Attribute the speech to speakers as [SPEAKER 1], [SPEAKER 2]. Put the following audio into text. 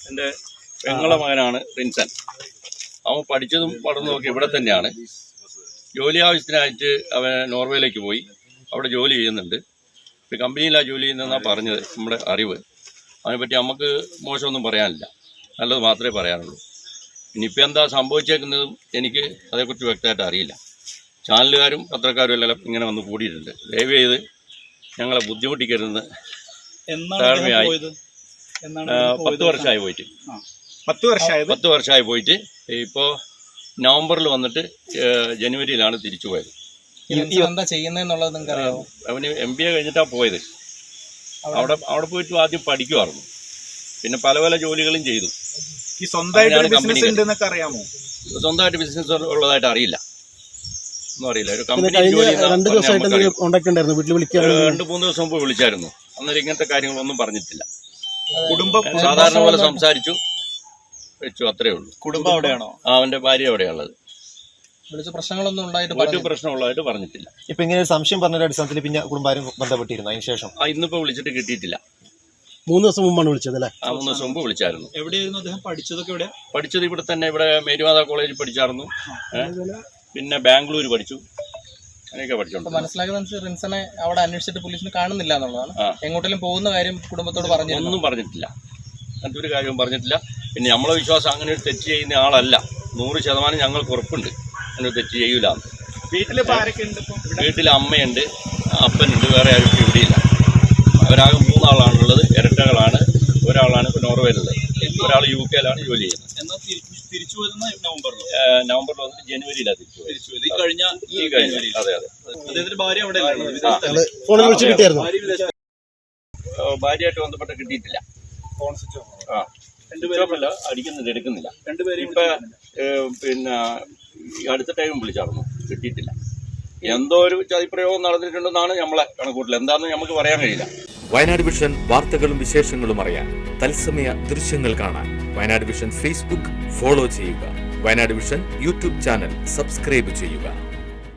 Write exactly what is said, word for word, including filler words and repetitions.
[SPEAKER 1] എൻ്റെ പെങ്ങളെ മകനാണ് റിൻസൻ. അവൻ പഠിച്ചതും പഠനവും ഒക്കെ ഇവിടെ തന്നെയാണ്. ജോലി ആവശ്യത്തിനായിട്ട് അവൻ നോർവേയിലേക്ക് പോയി, അവിടെ ജോലി ചെയ്യുന്നുണ്ട്. ഒരു കമ്പനിയിലാണ് ജോലി ചെയ്യുന്നതെന്നാണ് പറഞ്ഞത് നമ്മുടെ അറിവ്. അതിനെപ്പറ്റി നമുക്ക് മോശമൊന്നും പറയാനില്ല, നല്ലത് മാത്രമേ പറയാനുള്ളൂ. ഇനിയിപ്പോൾ എന്താ സംഭവിച്ചേക്കുന്നതും എനിക്ക് അതേക്കുറിച്ച് വ്യക്തമായിട്ട് അറിയില്ല. ചാനലുകാരും പത്രക്കാരും എല്ലാം ഇങ്ങനെ വന്ന് കൂടിയിട്ടുണ്ട്. ദയവ് ചെയ്ത് ഞങ്ങളെ ബുദ്ധിമുട്ടിക്കരുതെന്ന് താഴ്മയായി. പത്ത് വർഷമായി പോയിട്ട്
[SPEAKER 2] പത്ത് വർഷമായി
[SPEAKER 1] പത്ത് വർഷമായി പോയിട്ട് ഇപ്പോൾ നവംബറിൽ വന്നിട്ട് ജനുവരിയിലാണ് തിരിച്ചു പോയത്.
[SPEAKER 3] എന്താ ചെയ്യുന്നതെന്നുള്ളത് നിങ്ങൾക്ക് അറിയാമോ?
[SPEAKER 1] അവന് എം ബി എ കഴിഞ്ഞിട്ടാണ് പോയത്. അവിടെ അവിടെ പോയിട്ട് ആദ്യം പഠിക്കുമായിരുന്നു, പിന്നെ പല പല ജോലികളും ചെയ്തു.
[SPEAKER 2] ഈ സ്വന്തമായിട്ട് ബിസിനസ് ഉണ്ടെന്നൊക്കെ അറിയാമോ?
[SPEAKER 1] സ്വന്തമായിട്ട് ബിസിനസ് ഉള്ളതായിട്ട് അറിയില്ല, ഒന്നും അറിയില്ല. ഒരു കമ്പനി ജോലി രണ്ട് മൂന്ന് ദിവസം മുമ്പ് വിളിച്ചായിരുന്നു. അന്നേരം ഇങ്ങനത്തെ കാര്യങ്ങളൊന്നും പറഞ്ഞിട്ടില്ല. കുടുംബം സാധാരണ പോലെ സംസാരിച്ചു വെച്ചു, അത്രേ ഉള്ളൂ.
[SPEAKER 2] കുടുംബം അവിടെയാണോ?
[SPEAKER 1] അവന്റെ ഭാര്യ അവിടെയുള്ളത്.
[SPEAKER 3] വിളിച്ച പ്രശ്നങ്ങളൊന്നും ഉണ്ടായിട്ട്
[SPEAKER 1] ഒരു പ്രശ്നമുള്ളതായിട്ട് പറഞ്ഞിട്ടില്ല.
[SPEAKER 4] ഇപ്പൊ ഇങ്ങനെ സംശയം പറഞ്ഞ അടിസ്ഥാനത്തിൽ പിന്നെ കുടുംബാരും ബന്ധപ്പെട്ടിരുന്നു അതിന് ശേഷം?
[SPEAKER 1] ആ ഇന്നിപ്പോ വിളിച്ചിട്ട് കിട്ടിയിട്ടില്ല.
[SPEAKER 4] മൂന്ന് ദിവസം മുമ്പാണ് വിളിച്ചത് അല്ലേ?
[SPEAKER 1] ആ മൂന്ന് ദിവസം മുമ്പ് വിളിച്ചായിരുന്നു.
[SPEAKER 2] എവിടെയായിരുന്നു അദ്ദേഹം പഠിച്ചതൊക്കെ? എവിടെയാ
[SPEAKER 1] പഠിച്ചത്? ഇവിടെ തന്നെ, ഇവിടെ മേരിമാതാ കോളേജിൽ പഠിച്ചായിരുന്നു. പിന്നെ ബാംഗ്ലൂർ പഠിച്ചു, അങ്ങനെയൊക്കെ പഠിച്ചോണ്ട്.
[SPEAKER 3] മനസ്സിലാക്കുന്ന റിൻസനെ അവിടെ അന്വേഷിച്ചിട്ട് പോലീസിന് കാണുന്നില്ല എന്നുള്ളതാണ്. എങ്ങോട്ടെങ്കിലും പോകുന്ന കാര്യം കുടുംബത്തോട് പറഞ്ഞു?
[SPEAKER 1] ഒന്നും പറഞ്ഞിട്ടില്ല, അങ്ങനത്തെ ഒരു കാര്യവും പറഞ്ഞിട്ടില്ല. പിന്നെ നമ്മളെ വിശ്വാസം അങ്ങനെ ഒരു തെറ്റ് ചെയ്യുന്ന ആളല്ല. നൂറ് ശതമാനം ഞങ്ങൾക്ക് ഉറപ്പുണ്ട് അങ്ങനെ ഒരു തെറ്റ് ചെയ്യൂല.
[SPEAKER 2] വീട്ടിലിപ്പോൾ ആരൊക്കെ ഉണ്ട്?
[SPEAKER 1] വീട്ടിൽ അമ്മയുണ്ട്, അപ്പനുണ്ട്, വേറെ ആരും ഇവിടെയില്ല. അവരാകെ മൂന്നാളാണുള്ളത്, ഇരട്ടകളാണ്. ഒരാളാണ് ഇപ്പോൾ നോർവേയിലുള്ളത്, ഒരാൾ യു കെയിലാണ് ജോലി ചെയ്യുന്നത്.
[SPEAKER 2] തിരിച്ചു വരുന്ന നവംബറിൽ
[SPEAKER 1] നവംബറിൽ വന്നിട്ട് ജനുവരിയിലാണ് തിരിച്ചു പോയത്.
[SPEAKER 2] ഈ കഴിഞ്ഞ
[SPEAKER 1] ഈ കഴിഞ്ഞ അതെ അതെ
[SPEAKER 2] അദ്ദേഹത്തിന്റെ ഭാര്യ അവിടെ
[SPEAKER 1] ഭാര്യയായിട്ട് ബന്ധപ്പെട്ട് കിട്ടിയിട്ടില്ല. ആ രണ്ടുപേരല്ല അടിക്കുന്നില്ല, എടുക്കുന്നില്ല.
[SPEAKER 2] രണ്ടുപേരും
[SPEAKER 1] ഇപ്പൊ പിന്നെ അടുത്ത ടൈം വിളിച്ചായിരുന്നു, കിട്ടിയിട്ടില്ല. എന്തോ ഒരു ചതിപ്രയോഗം നടന്നിട്ടുണ്ടെന്നാണ് നമ്മളെ കണക്കൂട്ടൽ. എന്താണെന്ന് നമുക്ക് പറയാൻ കഴിയില്ല.
[SPEAKER 5] വയനാട് വിഷൻ വാർത്തകളും വിശേഷങ്ങളും അറിയാൻ, തത്സമയ ദൃശ്യങ്ങൾ കാണാൻ വയനാട് വിഷൻ ഫേസ്ബുക്ക് ഫോളോ ചെയ്യുക. Wayanad vision YouTube channel subscribe ചെയ്യുക.